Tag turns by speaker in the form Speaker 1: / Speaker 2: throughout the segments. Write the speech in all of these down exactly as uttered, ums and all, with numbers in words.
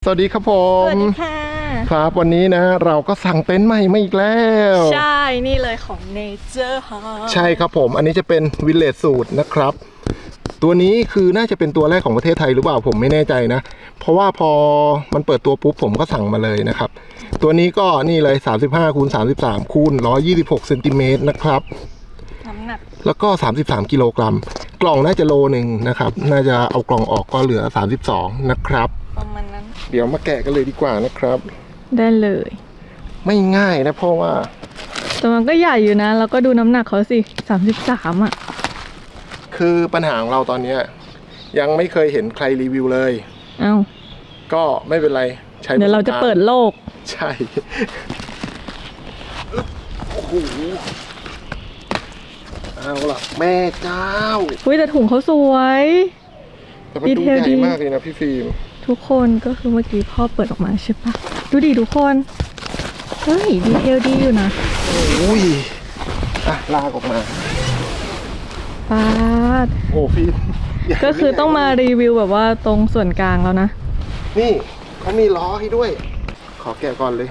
Speaker 1: สวัสดีครับผม
Speaker 2: สวัสดีค่ะ
Speaker 1: ครับวันนี้นะเราก็สั่งเต็นท์ใหม่มาอีกแล้ว
Speaker 2: ใช่นี่เลยของ Nature Hub
Speaker 1: ใช่ครับผมอันนี้จะเป็นวิลเลจสูตรนะครับตัวนี้คือน่าจะเป็นตัวแรกของประเทศไทยหรือเปล่าผมไม่แน่ใจนะเพราะว่าพอมันเปิดตัวปุ๊บผมก็สั่งมาเลยนะครับตัวนี้ก็นี่เลยสามสิบห้าคูณสามสิบสามคูณหนึ่งร้อยยี่สิบหกเซนติเมตรนะครับ
Speaker 2: น้ำหนัก
Speaker 1: แล้วก็สามสิบสามกิโลกรัมกล่องน่าจะโลหนึ่งนะครับน่าจะเอากล่องออกก็เหลือสามสิบสองนะครับ
Speaker 2: ประมาณนั้น
Speaker 1: เดี๋ยวมาแกะกันเลยดีกว่านะครับ
Speaker 2: ได้เลย
Speaker 1: ไม่ง่ายนะเพราะว่า
Speaker 2: แต่มันก็ใหญ่อยู่นะแล้วก็ดูน้ำหนักเขาสิสามสิบสามอ่ะ
Speaker 1: คือปัญหาของเราตอนนี้ยังไม่เคยเห็นใครรีวิวเลย
Speaker 2: เอ้า
Speaker 1: ก็ไม่เป็นไรใช้
Speaker 2: เดี๋ยวเราจะเปิดโลก
Speaker 1: ใช่โอ้โหเอาล่ะแม่เจ้า
Speaker 2: อุ้ยแต่ถุงเขาสวย
Speaker 1: แต่มันดูใหญ่มากเลยนะพี่ฟิล์ม
Speaker 2: ทุกคนก็คือเมื่อกี้พ่อเปิดออกมาใช่ปะดูดิทุกคนเฮ้ยดีเทลดีอยู่นะ
Speaker 1: โอ้ยอ่ะลากออกมา
Speaker 2: ปาด
Speaker 1: โอ้ฟิล์ม
Speaker 2: ก็คือต้องมารีวิวแบบว่าตรงส่วนกลางแล้วนะ
Speaker 1: นี่เขามีล้อให้ด้วยขอแกะก่อนเลย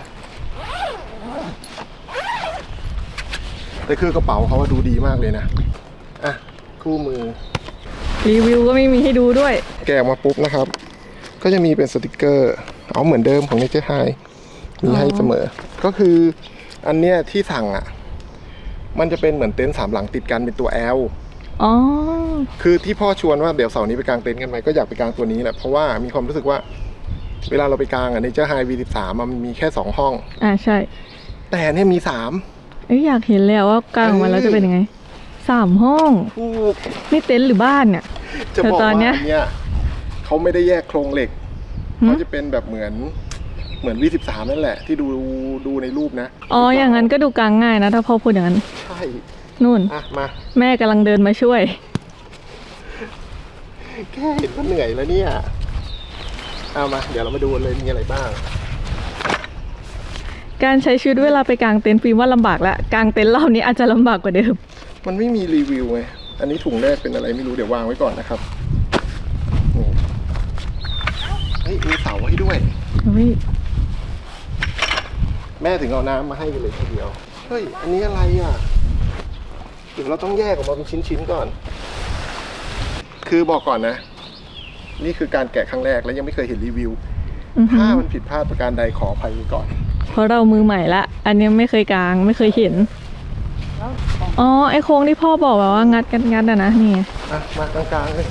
Speaker 1: แต่คือกระเป๋าเขาดูดีมากเลยนะอ่ะคู่มือ
Speaker 2: รีวิวก็ไม่มีให้ดูด้วย
Speaker 1: แกะมาปุ๊บนะครับก็จะมีเป็นสติกเกอร์เอาเหมือนเดิมของ Nature High มีให้เสมอก็คืออันเนี้ยที่สั่งอ่ะมันจะเป็นเหมือนเต็นท์สามหลังติดกันเป็นตัว L
Speaker 2: อ๋อ
Speaker 1: คือที่พ่อชวนว่าเดี๋ยวเสาร์นี้ไปกางเต็นท์กันไหมก็อยากไปกางตัวนี้แหละเพราะว่ามีความรู้สึกว่าเวลาเราไปกางอ่ะ Nature High วี สิบสาม มันมีแค่สองห้อง
Speaker 2: อ่าใช่
Speaker 1: แต่เนี่ยมีสาม
Speaker 2: เอ้ยอยากเห็นแล้วว่ากางมาแล้วจะเป็นยังไงสามห้องนี่เต็นท์หรือบ้านเนี่ย
Speaker 1: จะบอกว่าอันเนี้ยเขาไม่ได้แยกโครงเหล็กเขาจะเป็นแบบเหมือนเหมือน วี สิบสาม นั่นแหละที่ดูดูในรูปนะ
Speaker 2: อ๋ออย่างนั้นก็ดูกางง่ายนะถ้าพ่อพูดอย่างนั้น
Speaker 1: ใช่
Speaker 2: นู่น
Speaker 1: อ่ะมา
Speaker 2: แม่กำลังเดินมาช่วย
Speaker 1: แค่เห็นก็เหนื่อยแล้วเนี่ยเอามาเดี๋ยวเรามาดูเลยมีอะไรบ้าง
Speaker 2: การใช้ชีวิตเวลาไปกางเต็นท์ฟิล์มว่าลำบากแล้วกางเต็นท์รอบนี้อาจจะลำบากกว่าเดิม
Speaker 1: มันไม่มีรีวิวไงอันนี้ถุงแรกเป็นอะไรไม่รู้เดี๋ยววางไว้ก่อนนะครับเฮ้ยมีเสาให้ด้วยแม่ถึงเอาน้ำมาให้กันเลยทีเดียวเฮ้ยอันนี้อะไรอ่ะเดี๋ยวเราต้องแยกออกมาเป็นชิ้นๆก่อนคือบอกก่อนนะนี่คือการแกะครั้งแรกแล้วยังไม่เคยเห็นรีวิวถ้ามันผิดพลาดประการใดขออภัยก่อน
Speaker 2: เพราะเรามือใหม่ละอันนี้ไม่เคยกางไม่เคยเห็นอ๋อไอโค้งที่พ่อบอกแบบว่างัดกันงัดอะนะนี่
Speaker 1: อ่ะมากลางๆเลย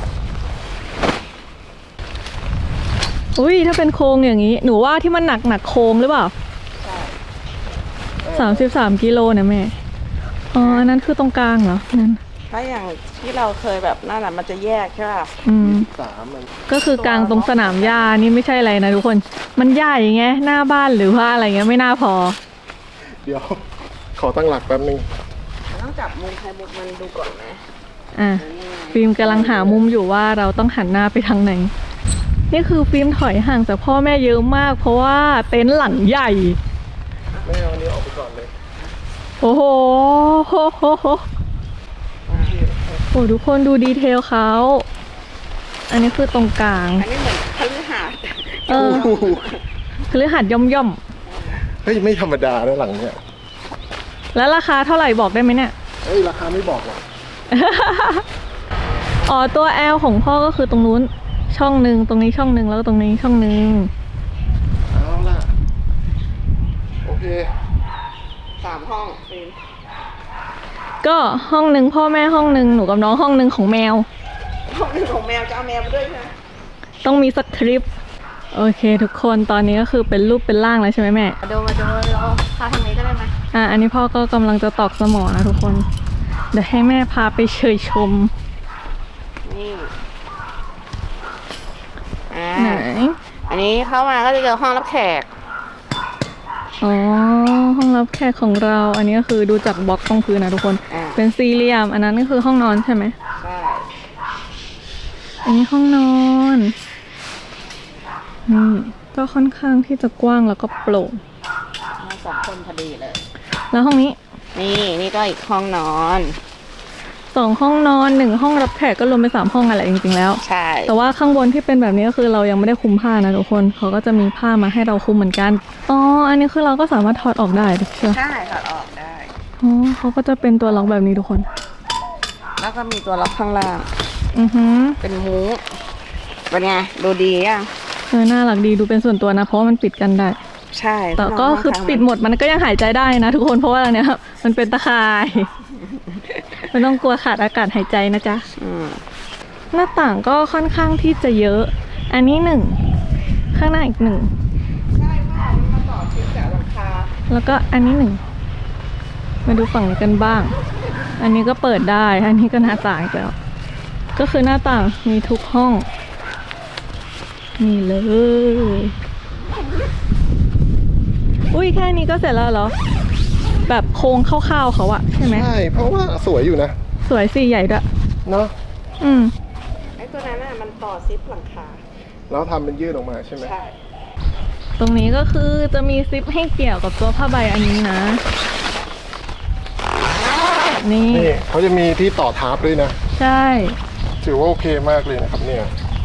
Speaker 2: อุ้ยถ้าเป็นโค้งอย่างนี้หนูว่าที่มันหนักหนักโค้งหรือเปล่าใช่สามสิบสามกิโลเนี่ยแม่อ๋ออันนั้นคือตรงกลางเหรอนั่น
Speaker 3: ถ้าอย่างที่เราเคยแบบนั่นแหละมันจะแยกใช่ป่ะ
Speaker 2: อืม
Speaker 1: สามมัน
Speaker 2: ก็คือกลางตรงสนามหญ้านี่ไม่ใช่อะไรนะทุกคนมันใหญ่ไงหน้าบ้านหรือว่าอะไรเงี้ยไม่น่าพอ
Speaker 1: เดี๋ยวขอตั้งหลักแป๊บนึง
Speaker 3: ต้องจับมุมใครมุมมันดูก่อนไหม
Speaker 2: อ่ะฟิล์มกำลังหามุมอยู่ว่าเราต้องหันหน้าไปทางไหนนี่คือฟิล์มถอยห่างจากพ่อแม่เยอะมากเพราะว่าเต็นท์หลังใหญ่
Speaker 1: แม่เอาอันนี้ออกไปก่อนเลย
Speaker 2: โอ้โหโหโหโหโอ้ทุกคนดูดีเทลเขาอันนี้คือตรงกลาง
Speaker 3: อันนี้เหมือนคฤหาสน์
Speaker 2: เออคฤหาสน์ย่อมย่อม
Speaker 1: เฮ้ยไม่ธรรมดานะหลังเนี้ย
Speaker 2: แล้วราคาเท่าไหร่บอกได้ไหมเนี่ย
Speaker 1: เฮ้ยราคาไม่บอกหรอก
Speaker 2: อ๋อตัว L ของพ่อก็คือตรงนู้นช่องหนึ่งตรงนี้ช่องหนึ่งแล้วตรงนี้ช่องหนึ่ง
Speaker 1: เอาล่ะโอเค
Speaker 3: สามห้องฟิล์ม
Speaker 2: ก็ห้องหนึ่งพ่อแม่ห้องหนึ่งหนูกับน้องห้องหนึ่งของแมว
Speaker 3: ห้องหนึ่งของแมวจะเอาแมวมาด้วยใช่ไหม
Speaker 2: ต้องมีสักทริปโอเคทุกคนตอนนี้ก็คือเป็นรูปเป็นร่างแล้วใช่ไหมแม่
Speaker 3: มาดูมาดูเราพาทางนี้ก็ได้ไหม
Speaker 2: อ่ะอันนี้พ่อก็กำลังจะตอกสมอนะทุกคนเดี๋ยวให้แม่พาไปเชยชม
Speaker 3: นี่
Speaker 2: ไหน
Speaker 3: อันนี้เข้ามาก็จะเจอห้องรับแขก
Speaker 2: อ๋อห้องรับแขกของเราอันนี้ก็คือดูจากบล็อกตรงพื้นนะทุกคนเป็นสี่เหลี่ยมอันนั้นก็คือห้องนอนใช่ไหม
Speaker 3: ใช่
Speaker 2: อันนี้ห้องนอนนี่ก็ค่อนข้างที่จะกว้างแล้วก็โปร่ง
Speaker 3: สองคนพอดีเลย
Speaker 2: แล้วห้องนี้
Speaker 3: นี่นี่ก็อีกห้องนอน
Speaker 2: โซสองห้องนอนหนึ่งห้องรับแขกก็รวมเป็นสามห้องอะไรจริงๆแล้ว
Speaker 3: ใช่
Speaker 2: แต่ว่าข้างบนที่เป็นแบบนี้ก็คือเรายังไม่ได้คลุมผ้านะทุกคนเขาก็จะมีผ้ามาให้เราคลุมเหมือนกันอ๋ออันนี้คือเราก็สามารถถอดออกได้ดิใช่ไหม
Speaker 3: ใช่ถอดออกได้
Speaker 2: อ๋อเขาก็จะเป็นตัวล็อกแบบนี้ทุกคน
Speaker 3: แล้วก็มีตัวล็อกข้างล่าง
Speaker 2: อือหือ
Speaker 3: เป็นมุ้งเป็นไงดูดีอ่ะ
Speaker 2: เออน่ารักดีดูเป็นส่วนตัวนะเพราะว่ามันปิดกันได้
Speaker 3: ใช่
Speaker 2: แต่ก็คือปิดหมดมันก็ยังหายใจได้นะทุกคนเพราะว่าอะไรเนี่ยมันเป็นตะข่าย ไม่ต้องกลัวขาดอากาศหายใจนะจ๊ะ
Speaker 3: อืม
Speaker 2: หน้าต่างก็ค่อนข้างที่จะเยอะ อันนี้หนึ่งข้างหน้าอีกหนึ่ง
Speaker 3: ใช่ค่ะมันมาต่อชิ้นจากหลังคา
Speaker 2: แล้วก็อันนี้หนึ่งมาดูฝั่งนี้กันบ้าง อันนี้ก็เปิดได้ อันนี้ก็หน้าต่างอีกแล้วก็คือหน้าต่างมีทุกห้องนี่เลยอุ้ยแค่นี้ก็เสร็จแล้วเหรอแบบโครงคร่าวๆเขาอะใช่ไหม
Speaker 1: ใช่เพราะว่าสวยอยู่นะ
Speaker 2: สวยสีใหญ่ด้วย
Speaker 1: เนาะ
Speaker 2: อืม
Speaker 3: ไอ้ตัวนั้นน่ะมันต่อซิปหลังคา
Speaker 1: แล้วทำเป็นยืดออกมาใช่ไหม
Speaker 3: ใช่
Speaker 2: ตรงนี้ก็คือจะมีซิปให้เกี่ยวกับตัวผ้าใบอันนี้นะ นี่
Speaker 1: นี่เขาจะมีที่ต่อทับด้วยนะ
Speaker 2: ใช่
Speaker 1: ถือว่าโอเคมากเลยนะครับเนี่ย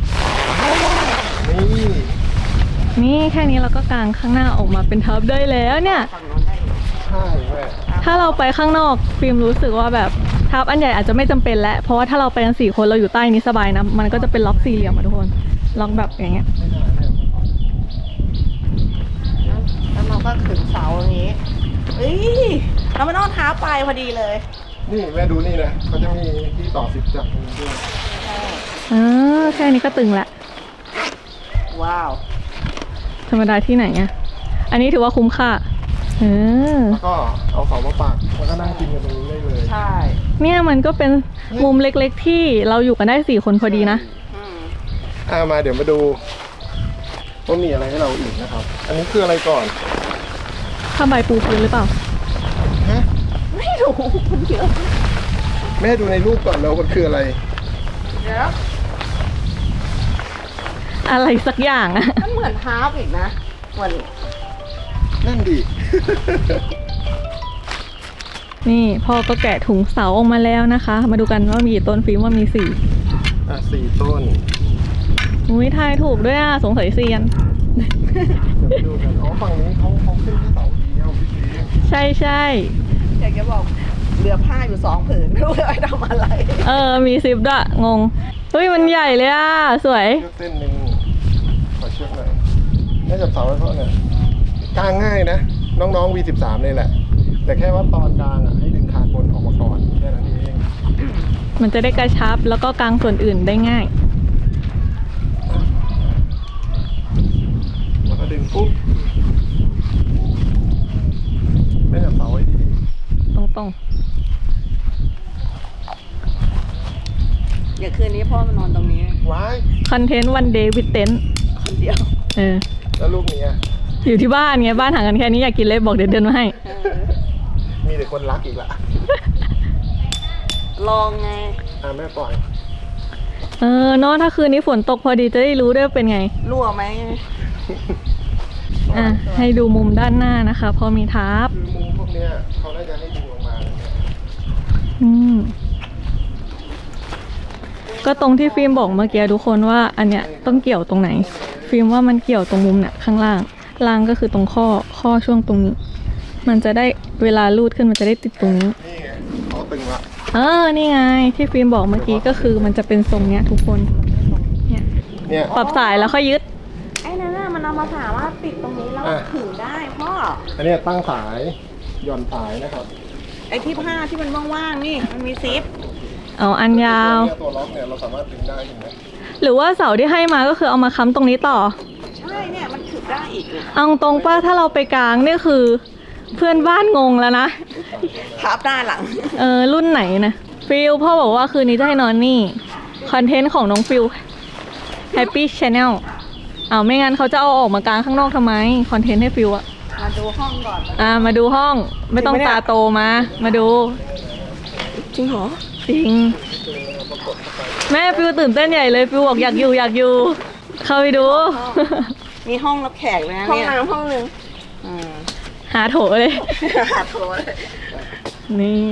Speaker 1: นี่
Speaker 2: นี่แค่นี้เราก็กางข้างหน้าออกมาเป็นทับได้แล้วเนี่ย
Speaker 3: ฝั่งโน้นได้อยู่
Speaker 1: ใช่แม่
Speaker 2: ถ้าเราไปข้างนอกฟิล์มรู้สึกว่าแบบทับอันใหญ่อาจจะไม่จำเป็นแล้วเพราะว่าถ้าเราไปกันสี่คนเราอยู่ใต้นี้สบายนะมันก็จะเป็นล็อกสี่เหลี่ยมอะทุกคนล็อกแบบอย่างเงี้ย
Speaker 3: แล้วเราก็ขึงเสาอย่างนี้เอ้ยเราไม่ต้องเท้าไปพอดีเลย
Speaker 1: นี่แม่ดูนี่นะเขาจะมีที่ต่อสิบจักรตรงนี้ด้วย
Speaker 2: อ่าแค่นี้ก็ตึงละ
Speaker 3: ว้าว
Speaker 2: ธรรมดาที่ไหนอะอันนี้ถือว่าคุ้มค่าเออ
Speaker 1: แล้วก็เอาเสามาปักแล้วก็นั่งกินกันตรงนี้ได้เลย
Speaker 3: ใช่
Speaker 2: เนี่ยมันก็เป็นมุมเล็กๆที่เราอยู่กันได้สี่คนพอดีนะ
Speaker 3: อืม
Speaker 1: อ่ามาเดี๋ยวมาดูว่ามีอะไรให้เราอีกนะครับ อันนี้คืออะไรก่อน
Speaker 2: ผ้าใบปูพื้นหรือเปล่า
Speaker 1: ฮะ
Speaker 3: ไม่รู้มันเยอะ
Speaker 1: แม่ดูในรูปก่อนแล้วมันคืออะไร
Speaker 3: เดี๋ยว
Speaker 2: อะไรสักอย่างอะ
Speaker 3: มันเหมือนเท้าอีกนะเหมือน
Speaker 1: นั่นดิ
Speaker 2: นี่พ่อก็แกะถุงเสาออกมาแล้วนะคะ มาดูกันว่ามีกี่ต้นฟิล์มว่ามีสี่
Speaker 1: อ่ะสี่ต้น
Speaker 2: อุ้ยทายถูกด้วยอ่ะสงสัยเซียน
Speaker 1: เดี๋ยวไปดูกันอ๋อฝั่งนี้เขาเขาขึ้นแค่เสาเดียวพี่ซี
Speaker 2: ใช่ใช่
Speaker 3: อยากจะบอกเหลือผ้าอยู่สองผืนไม่รู้จะไปทำอะไร
Speaker 2: เออมีซิปด้วยงงเฮ้ยมันใหญ่เลยอ่ะสวย
Speaker 1: เชือกเส้นหนึ่งขอเชือกหน่อยแม่จับเสาไว้เพราะเนี่ยกางง่ายนะ น้องๆ วี สิบสาม เลยแหละ แต่แค่ว่าตอนกลางอ่ะให้ดึงคานบนออกมาก่อนแค่นั้นเอง
Speaker 2: มันจะได้กระชับแล้วก็กางส่วนอื่นได้ง่าย
Speaker 1: แล้วก็ดึงปุ๊บแม่จับเสาไว้ดี
Speaker 2: ตรงตรง
Speaker 3: เดี๋ยวคืนนี้พ่อมานอนตรงนี้
Speaker 1: ๆว้าย
Speaker 2: คอนเทนต์วันเดย์วิดเต็น
Speaker 3: คนเดียว
Speaker 2: เออ
Speaker 1: แล้วลูกนี้อะ
Speaker 2: อยู่ที่บ้านไงบ้านห่างกันแค่นี้อยากกินเลยบอกเดี๋ยวเดินมาให้
Speaker 3: เออ
Speaker 1: มีแต่คนรักอีกละ
Speaker 3: ลองไง
Speaker 1: อ่ะแม่ปล่อย
Speaker 2: เออเนาะถ้าคืนนี้ฝนตกพอดีจะได้รู้ด้วยเป็นไง
Speaker 3: รั่วไหม
Speaker 2: อ่ะให้ดูมุมด้านหน้านะคะพอมีทับ
Speaker 1: คือมุมพวกเนี้ยเขาน่าจะให้ดึงลงมาเลยเนี่ย
Speaker 2: อืมก็ตรงที่ฟิล์มบอกเมื่อกี้ทุกคนว่าอันเนี้ยต้องเกี่ยวตรงไหน ฟิล์มว่ามันเกี่ยวตรงมุมเนี่ยข้างล่างล่างก็คือตรงข้อข้อช่วงตรงนี้ มันจะได้เวลาลูดขึ้นมันจะได้ติดตรงนี้
Speaker 1: นี่ไงเขาตึงละ
Speaker 2: เออนี่ไงที่ฟิล์มบอกเมื่อกี้ก็คือมันจะเป็นทรงเนี้ยทุกคนเนี่ย
Speaker 1: เนี่ย
Speaker 2: ปรับสายแล้วค่อยยึด
Speaker 3: ไอ้นั่นน่ะมันเอามาถามว่าติดตรงนี้แล้ว
Speaker 1: อ่ะ
Speaker 3: ขึงได้พ่อ
Speaker 1: อันเนี้ยตั้งสายหย่อนสายนะครับ
Speaker 3: ไอ้ที่ผ้าที่มันว่างๆนี่มันมีซิป
Speaker 2: เอาอันยาว
Speaker 1: ตัวล็อกเนี่ยเราสามารถดึงได้เห็นไหม
Speaker 2: หรือว่าเสาที่ให้มาก็คือเอามาค้ำตรงนี้ต่อ
Speaker 3: ใช่เนี่ยมันขึงได้อีกเนี่ย
Speaker 2: เอาตรงป้าถ้าเราไปกลางนี่คือ เพื่อนบ้านงงแล้วนะ
Speaker 3: ทับด้านหลัง
Speaker 2: เออรุ่นไหนนะฟิลพ่อบอกว่าคืนนี้จะให้นอนนี่ คอนเทนต์ของน้องฟิล Happy Channel เอาไม่งั้นเขาจะเอาออกมากลางข้างนอกทำไม คอนเทนต์ให้ฟิลอะ
Speaker 3: มาดูห้องก่อน
Speaker 2: อ่ามาดูห้องไม่ต้องตาโตมา มาดู
Speaker 3: จริงเหรอ
Speaker 2: จริง แม่ฟิลตื่นเต้นใหญ่เลยฟิลบอกอยากอยู่อยากอยู่ เข้าไปดู
Speaker 3: มีห้องรับแขกเลยนะ
Speaker 4: ห้อง
Speaker 3: เนี่ย
Speaker 4: น้ำห้องหนึ่ง
Speaker 3: อืม
Speaker 2: หาโถเลย
Speaker 3: หาโถเลย
Speaker 2: นี่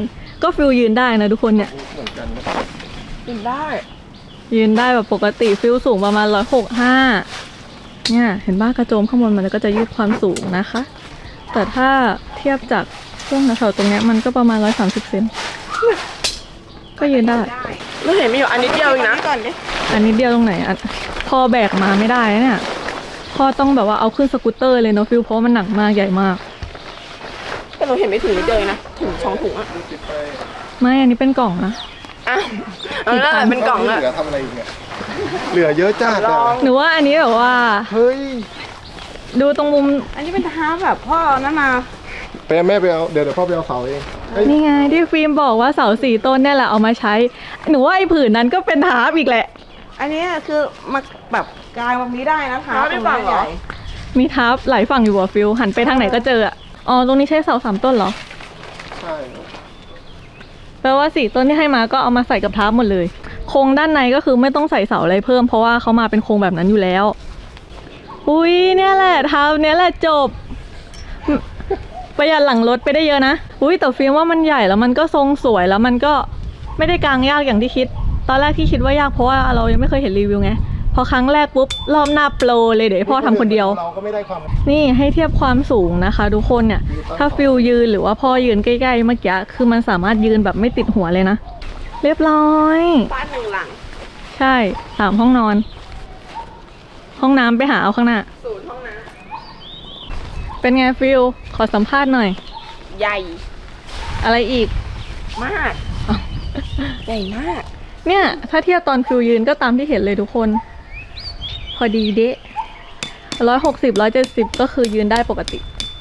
Speaker 2: ก็ฟิลยืนได้นะทุกคนเนี่ย
Speaker 1: เหมือนกันนะ
Speaker 3: กินได้
Speaker 2: ยืนได้แบบปกติฟิลสูงประมาณร้อยหกห้าเนี่ยเห็นบ้ากระโจมข้างบนมันก็จะยืดความสูงนะคะ แต่ถ้าเทียบจากช่วงแถวๆตรงเนี้ยมันก็ประมาณร้อยสามสิบเซนก็ยืนได้
Speaker 3: ไม่เห็นมีอยู่อันนิดเดียวเองนะก่อนดิ
Speaker 2: อันนี้เดียวตรงไหนอันพอแบกมาไม่ได้นะเนี่ยพอต้องแบบว่าเอาขึ้นสกูตเตอร์เลยเนาะฟิลเพราะว่ามันหนักมากใหญ่มาก
Speaker 3: แต่เราเห็นไม่ถึงนิดเดียวเองนะถึงสองถุงอ่ะ
Speaker 2: ไม่อันนี้เป็นกล่องนะ
Speaker 3: อ่ะเออแล้วเป็นกล่องอะ
Speaker 1: เหลือทำอะไรอีกเนี่ยเหลือเยอะจ้า
Speaker 3: ลอง
Speaker 2: หนูว่าอันนี้แบบว่า
Speaker 1: เฮ้ย
Speaker 2: ดูตรงมุม
Speaker 3: อันนี้เป็นท้าแบบพ่อนั่นมา
Speaker 1: ไปแม่ไปเอาเดี๋ยวเดี๋ยวพ่อไปเอาเสาเองเฮ้ย
Speaker 2: นี่ไงที่ฟิล์มบอกว่าเสาสี่ต้นเนี่ยแหละเอามาใช้ หนูว่าไอ้ผืนนั้นก็เป็นทาร์ปอีกแหละ
Speaker 3: อันนี้คือมาแบบกลายแบบนี้ได้นะท้าตรงนี้ใหญ่
Speaker 2: มีทาร์ปหลายฝั่งอยู่อ่ะฟิลหันไปทางไหนก็เจออะอ๋อตรงนี้ใช้เสาสามต้นเหรอ
Speaker 1: ใช่
Speaker 2: แปลว่าสี่ต้นที่ให้มาก็เอามาใส่กับทาร์ปหมดเลย โครงด้านในก็คือไม่ต้องใส่เสาอะไรเพิ่มเพราะว่าเขามาเป็นโครงแบบนั้นอยู่แล้ว อุ้ยเนี่ยแหละทาร์ปเนี่ยแหละจบ ประหยัดหลังรถไปได้เยอะนะ อุ้ยแต่ฟิล์มว่ามันใหญ่แล้วมันก็ทรงสวยแล้วมันก็ไม่ได้กางยากอย่างที่คิด ตอนแรกที่คิดว่ายากเพราะว่าเรายังไม่เคยเห็นรีวิวไง พอครั้งแรกปุ๊บรอบหน้าโปรเลยเดี๋ยวให้พ่อทำคนเดียว
Speaker 1: เราก็ไม่ได้ความ
Speaker 2: นี่ให้เทียบความสูงนะคะทุกคนเนี่ย ถ้าฟิลยืนหรือว่าพ่อยืนใกล้ๆเมื่อกี้คือมันสามารถยืนแบบไม่ติดหัวเลยนะ เรียบร้อย
Speaker 3: บ้านหนึ่งหลัง
Speaker 2: ใช่สามห้องนอน ห้องน้ำไปหาเอาข้างหน้า
Speaker 3: ศูนย์ห้องน้
Speaker 2: เป็นไงฟิลขอสัมภาษณ์หน่อย
Speaker 3: ำใหญ่
Speaker 2: อะไรอีก
Speaker 3: มาก ใหญ่มาก
Speaker 2: เนี่ยถ้าเทียบตอนฟิวยืนก็ตามที่เห็นเลยทุกคน พอดีเดะร้อยหกสิบร้อยเจ็ดสิบก็คือยืนได้ปกติ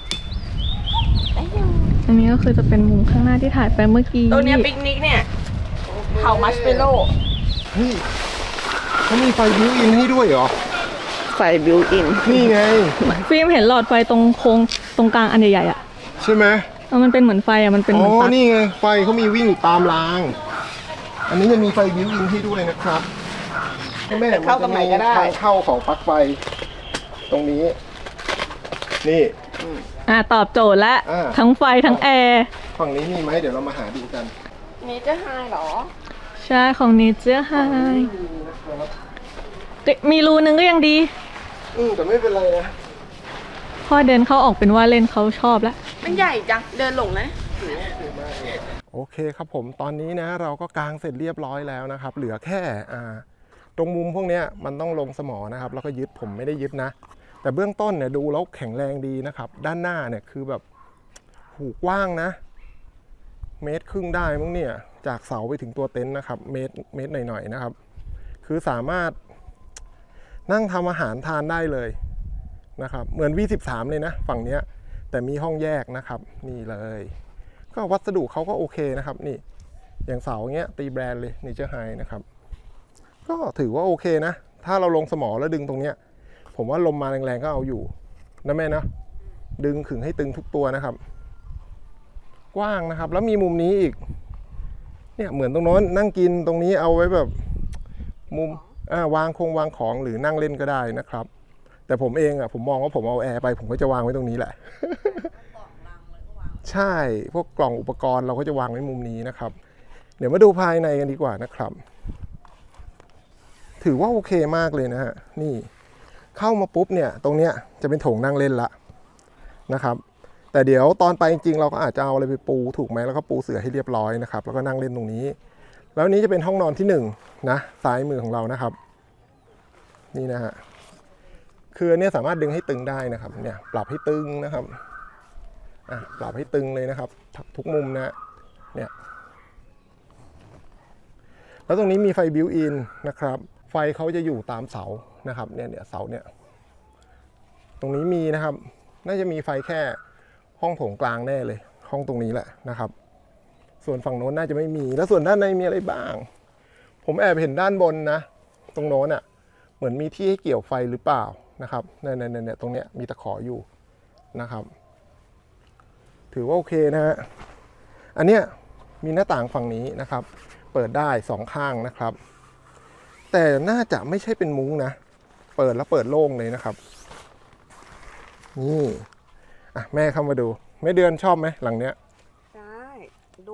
Speaker 2: อันนี้ก็คือจะเป็นมุมข้างหน้าที่ถ่ายไปเมื่อกี้
Speaker 3: ตัวเนี้ยปิกนิกเนี่ยเผามัชเปโร่
Speaker 1: เฮ้ยเขามีไฟบิวอินให้ด้วยเหรอ
Speaker 3: ไฟบิวอิน
Speaker 1: นี่ไง
Speaker 2: ฟิล์มเห็นหลอดไฟตรงโค้งตรงกลางอันใหญ่ๆอ่ะ
Speaker 1: ใช่ไหม
Speaker 2: เออมันเป็นเหมือนไฟอ่ะมันเป็นเห
Speaker 1: อ๋
Speaker 2: มือน
Speaker 1: อ
Speaker 2: ปลั๊ก
Speaker 1: นี่ไงไฟเขามีวิ่งอยู่ตามราง อันนี้จะมีไฟบิวอินให้ด้วยนะครับแม่
Speaker 3: จะเข้าตรงไหนก็ได้
Speaker 1: ทางเข้าของปลั๊กไฟ ตรงนี้ นี่
Speaker 2: อ่ะตอบโจทย์แล้ว
Speaker 1: อ่า
Speaker 2: ทั้งไฟทั้งแอร์
Speaker 1: ฝั่งนี้มีไหมเดี๋ยวเรามาหาดูกัน
Speaker 3: นี่จะไฮเหรอ
Speaker 2: ใช่ของเนเจอร์ไฮมีรูนึงก็ยังดี
Speaker 1: อืมแต่ไม่เป็นไรนะ
Speaker 2: พ่อเดินเข้าออกเป็นว่าเล่นเขาชอบแล้ว
Speaker 3: มันใหญ่จัง เดินหลงนะ
Speaker 1: โอเคครับผมตอนนี้นะเราก็กางเสร็จเรียบร้อยแล้วนะครับ เหลือแค่อ่าตรงมุมพวกเนี้ยมันต้องลงสมอนะครับ แล้วก็ยึดผมไม่ได้ยึดนะ แต่เบื้องต้นเนี่ยดูแล้วแข็งแรงดีนะครับ ด้านหน้าเนี่ยคือแบบหูกว้างนะ เมตรครึ่งได้มั้งเนี่ยจากเสาไปถึงตัวเต็นท์นะครับ เมตรเมตรหน่อยๆนะครับ คือสามารถนั่งทำอาหารทานได้เลยนะครับ เหมือน วี สิบสาม เลยนะฝั่งเนี้ยแต่มีห้องแยกนะครับนี่เลยก็วัสดุเขาก็โอเคนะครับนี่อย่างเสาเงี้ยตีแบรนด์เลยนี่เจอไฮนะครับก็ถือว่าโอเคนะถ้าเราลงสมอแล้วดึงตรงเนี้ยผมว่าลมมาแรงๆก็เอาอยู่นะแม่นะดึงขึงให้ตึงทุกตัวนะครับกว้างนะครับแล้วมีมุมนี้อีกเนี่ยเหมือนตรงโน้นนั่งกินตรงนี้เอาไว้แบบมุมอ่าวางคงวางของหรือนั่งเล่นก็ได้นะครับแต่ผมเองอ่ะผมมองว่าผมเอาแอร์ไปผมก็จะวางไว้ตรงนี้แหละ ใช่พวกกล่องอุปกรณ์เราก็จะวางไว้มุมนี้นะครับ เดี๋ยวมาดูภายในกันดีกว่านะครับ ถือว่าโอเคมากเลยนะฮะนี่เข้ามาปุ๊บเนี่ยตรงเนี้ยจะเป็นโถงนั่งเล่นละนะครับ แต่เดี๋ยวตอนไปจริงๆเราก็อาจจะเอาอะไรไปปูถูกไหมแล้วก็ปูเสื่อให้เรียบร้อยนะครับแล้วก็นั่งเล่นตรงนี้ แล้วนี้จะเป็นห้องนอนที่หนึ่งนะซ้ายมือของเรานะครับนี่นะฮะคืออันเนี้ยสามารถดึงให้ตึงได้นะครับเนี่ยปรับให้ตึงนะครับอ่ะปรับให้ตึงเลยนะครับทุกมุมนะเนี่ยแล้วตรงนี้มีไฟบิวอินนะครับไฟเขาจะอยู่ตามเสานะครับเนี่ยเนี่ยเสาเนี่ยตรงนี้มีนะครับน่าจะมีไฟแค่ห้องโถงกลางแน่เลยห้องตรงนี้แหละนะครับส่วนฝั่งโน้นน่าจะไม่มีแล้วส่วนด้านในมีอะไรบ้างผมแอบเห็นด้านบนนะตรงโน้นอ่ะเหมือนมีที่ให้เกี่ยวไฟหรือเปล่านะครับเนี่ยเนี่ยเนี่ยตรงเนี้ยมีตะขออยู่นะครับถือว่าโอเคนะฮะอันเนี้ยมีหน้าต่างฝั่งนี้นะครับเปิดได้สองข้างนะครับแต่น่าจะไม่ใช่เป็นมุ้งนะเปิดแล้วเปิดโล่งเลยนะครับนี่อ่ะแม่เข้ามาดูแม่เดือนชอบไหมหลังเนี้ย
Speaker 3: ใช่ดูอบอุ่น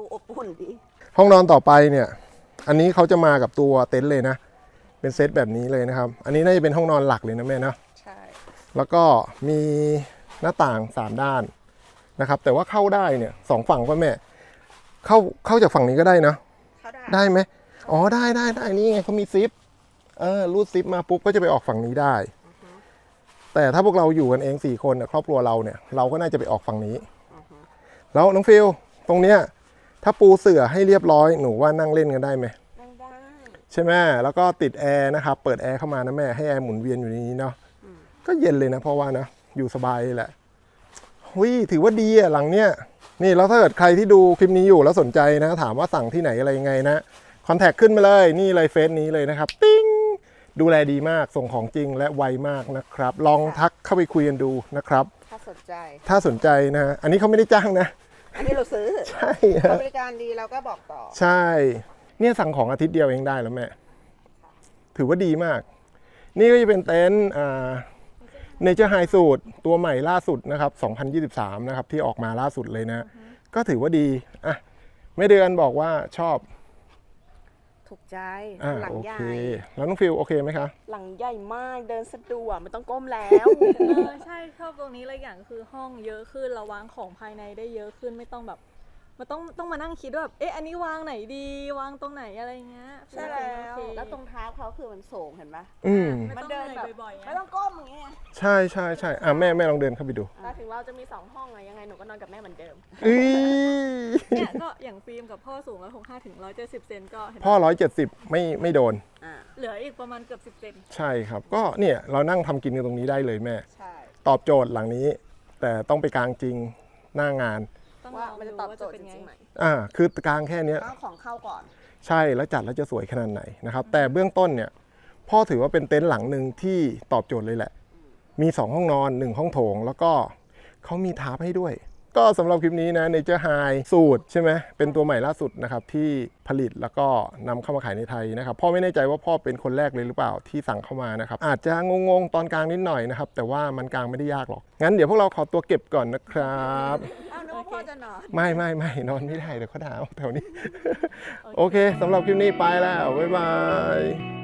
Speaker 3: นดี
Speaker 1: ห้องนอนต่อไปเนี่ย อันนี้เขาจะมากับตัวเต็นท์เลยนะ เป็นเซตแบบนี้เลยนะครับ อันนี้น่าจะเป็นห้องนอนหลักเลยนะแม่เนาะ
Speaker 3: ใช่
Speaker 1: แล้วก็มีหน้าต่างสามด้านนะครับ แต่ว่าเข้าได้เนี่ยสองฝั่งป่ะแม่ เข้าเข้าจากฝั่งนี้ก็ได้นะ
Speaker 3: เขาได้
Speaker 1: ได้ไหมอ๋อได้ได้ได้นี่ไงเขามีซิป เออรูดซิปมาปุ๊บก็จะไปออกฝั่งนี้ได้ แต่ถ้าพวกเราอยู่กันเองสี่คนน่ะครอบครัวเราเนี่ยเราก็น่าจะไปออกฝั่งนี้ แล้วน้องฟิลตรงเนี้ยถ้าปูเสื่อให้เรียบร้อยหนูว่านั่งเล่นกันได้ไหม
Speaker 3: นั่งได้
Speaker 1: ใช่ไหมแล้วก็ติดแอร์นะครับเปิดแอร์เข้ามานะแม่ให้แอร์หมุนเวียนอยู่ในนี้เนาะก็เย็นเลยนะเพราะว่านะอยู่สบายเลยแหละหุยถือว่าดีอะหลังเนี้ยนี่แล้วถ้าเกิดใครที่ดูคลิปนี้อยู่แล้วสนใจนะถามว่าสั่งที่ไหนอะไรยังไงนะคอนแทคขึ้นมาเลยนี่เลยเฟซนี้เลยนะครับปิ้งดูแลดีมากส่งของจริงและไวมากนะครับลองทักเข้าไปคุยกันดูนะครับ
Speaker 3: ถ้าสนใจ
Speaker 1: ถ้าสนใจนะฮะอันนี้เขาไม่ได้จ้างนะ
Speaker 3: อันนี้เราซื้อ
Speaker 1: ใช่
Speaker 3: เขา
Speaker 1: ฮะ
Speaker 3: บริการดีเราก็บอกต่อ
Speaker 1: ใช่เนี่ยสั่งของอาทิตย์เดียวเองได้แล้วแม่ถือว่าดีมาก นี่ก็จะเป็นเต็นท์อ่าเนเจอร์ไฮสูตรตัวใหม่ล่าสุดนะครับสองพันยี่สิบสามนะครับที่ออกมาล่าสุดเลยนะ ก็ถือว่าดีอ่ะแม่เดือนบอกว่าชอบ
Speaker 3: ถูกใจ
Speaker 1: อ่า
Speaker 3: หลัง
Speaker 1: โอ
Speaker 3: ใหญ่
Speaker 1: เคแล้วน้องฟิลโอเคไหมคะ
Speaker 3: หลังใหญ่มากเดินสะดวกไม่ต้องก้มแล้ว
Speaker 2: เออใช่ชอบตรงนี้เลยอย่างคือห้องเยอะขึ้นเราวางของภายในได้เยอะขึ้นไม่ต้องแบบมันต้องต้องมานั่งคิดว่าแบบเอ๊ะอันนี้วางไหนดีวางตรงไหนอะไรเงี้ย
Speaker 3: ใช่แล้ว
Speaker 2: โอเค
Speaker 3: แล้วตรงเท้าเขาคือมันสูงเห็นปะ
Speaker 1: อืม
Speaker 2: ไม่
Speaker 3: มัน
Speaker 2: ต้อง
Speaker 3: เดิน
Speaker 2: เห
Speaker 3: แบบ
Speaker 2: นื่อยบ่อยๆ
Speaker 3: ไม่
Speaker 2: อะ
Speaker 3: ต้องก้มอย่างเงี้ย
Speaker 1: ใช่ใช่ใช่อ่ะแม่แม่ลองเดินเข้าไปดู
Speaker 2: แต่ถึงเราจะมีสองห้องอะยังไงหนูก็นอนกับแม่เหมือนเดิม
Speaker 1: อี
Speaker 2: เนี่ยก็อย่างฟิล์มกับพ่อสูงร้อยหกห้าถึงร้อยเจ็ดสิบเซนก็เห็น
Speaker 1: พ่อร้อยเจ็ดสิบไม่ไม่โดน
Speaker 3: อ่า
Speaker 2: เหลืออีกประมาณเกือบสิบเซน
Speaker 1: ใช่ครับ ก็เนี่ยเรานั่งทำกินกันตรงนี้ได้เลยแม่
Speaker 3: ใช่
Speaker 1: ตอบโจทย์หลังนี้ แต่ต้องไปกลางจริงหน้างาน
Speaker 2: ต้อง
Speaker 3: ว่า
Speaker 2: ลอง
Speaker 3: มันจะ
Speaker 2: ดู
Speaker 3: ตอบ
Speaker 2: ว่า
Speaker 3: โจ
Speaker 2: จะ
Speaker 3: ทย์
Speaker 2: เป็น
Speaker 3: จ
Speaker 2: ไง
Speaker 3: ริงๆไหม
Speaker 1: อ่าคือกลางแค่เนี้ย
Speaker 3: ต้องของเข้าก่อน
Speaker 1: ใช่แล้วจัดแล้วจะสวยขนาดไหนนะครับ แต่เบื้องต้นเนี่ยพ่อถือว่าเป็นเต็นท์หลังหนึ่งที่ตอบโจทย์เลยแหละ มีสองห้องนอนหนึ่งห้องโถง แล้วก็เขามีทาร์ปให้ด้วย ก็สำหรับคลิปนี้นะ Nature High สูตรใช่ไหมเป็นตัวใหม่ล่าสุดนะครับที่ผลิตแล้วก็นำเข้ามาขายในไทยนะครับพ่อไม่แน่ใจว่าพ่อเป็นคนแรกเลยหรือเปล่าที่สั่งเข้ามานะครับอาจจะงงๆตอนกลางนิดหน่อยนะครับแต่ว่ามันกลางไม่ได้ยากหรอกงั้นเดี๋ยวพวกเราขอตัวเก็บก่อนนะครับ
Speaker 3: อ้าวนึกว่าพ่อจะนอน
Speaker 1: ไม่ไม่ไม่นอนไม่ได้เดี๋ยวเขาด่าเอาแถวนี้ โอเคสำหรับคลิปนี้ไปแล้ว บ๊ายบาย